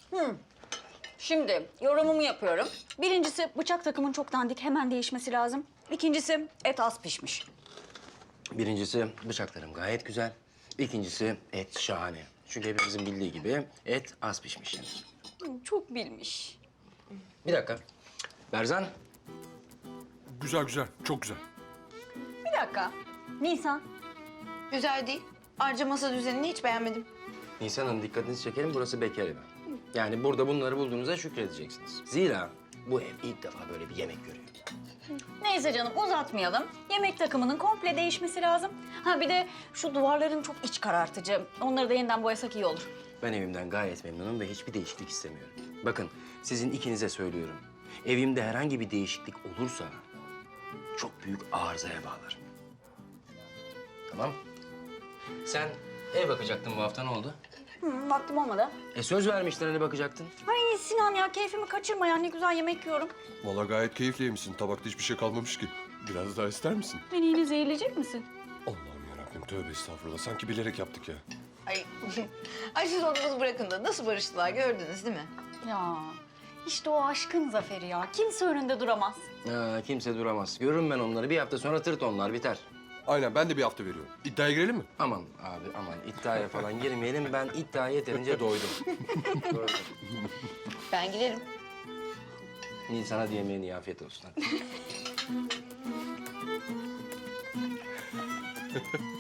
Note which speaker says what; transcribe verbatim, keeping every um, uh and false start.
Speaker 1: Şimdi yorumumu yapıyorum. Birincisi bıçak takımın çok dandik, hemen değişmesi lazım. İkincisi et az pişmiş.
Speaker 2: Birincisi bıçaklarım gayet güzel. İkincisi et şahane. Çünkü hepimizin bildiği gibi et az pişmiş.
Speaker 1: Hı, çok bilmiş.
Speaker 2: Bir dakika. Berzan,
Speaker 3: Güzel güzel, çok güzel.
Speaker 1: Bir dakika. Nisan.
Speaker 4: Güzel değil. Ayrıca masa düzenini hiç beğenmedim.
Speaker 2: Nisan'ın dikkatinizi çekelim. Burası bekar evi. Yani burada bunları bulduğunuza şükredeceksiniz. Zira bu ev ilk defa böyle bir yemek görüyor.
Speaker 1: Neyse canım uzatmayalım. Yemek takımının komple değişmesi lazım. Ha bir de şu duvarların çok iç karartıcı. Onları da yeniden boyasak iyi olur.
Speaker 2: Ben evimden gayet memnunum ve hiçbir değişiklik istemiyorum. Bakın, sizin ikinize söylüyorum. Evimde herhangi bir değişiklik olursa çok büyük arızaya bağlarım. Tamam? Sen ev bakacaktın bu hafta, ne oldu?
Speaker 1: Hı, vaktim olmadı.
Speaker 2: E söz vermiştin hani bakacaktın.
Speaker 1: Ay Sinan ya keyfimi kaçırma ya. Ne güzel yemek yiyorum.
Speaker 3: Vallahi gayet keyifli yemişsin. Tabakta hiçbir şey kalmamış ki. Biraz daha ister misin?
Speaker 1: Beni yine zehirleyecek misin?
Speaker 3: Allah'ım yarabbim, tövbe estağfurullah. Sanki bilerek yaptık ya.
Speaker 4: Ay, ay siz onu bunu bırakın da nasıl barıştılar gördünüz değil mi?
Speaker 1: Ya işte o aşkın zaferi ya. Kimse önünde duramaz.
Speaker 2: Ha, kimse duramaz. Görürüm ben onları. Bir hafta sonra tırt onlar, biter.
Speaker 3: Aynen, ben de bir hafta veriyorum. İddiaya girelim mi?
Speaker 2: Aman abi aman iddiaya falan girmeyelim. Ben iddiaya yeterince doydum. Doydum.
Speaker 4: Ben giderim.
Speaker 2: Nisan'a diyemeyen iyi afiyet olsun. Hadi.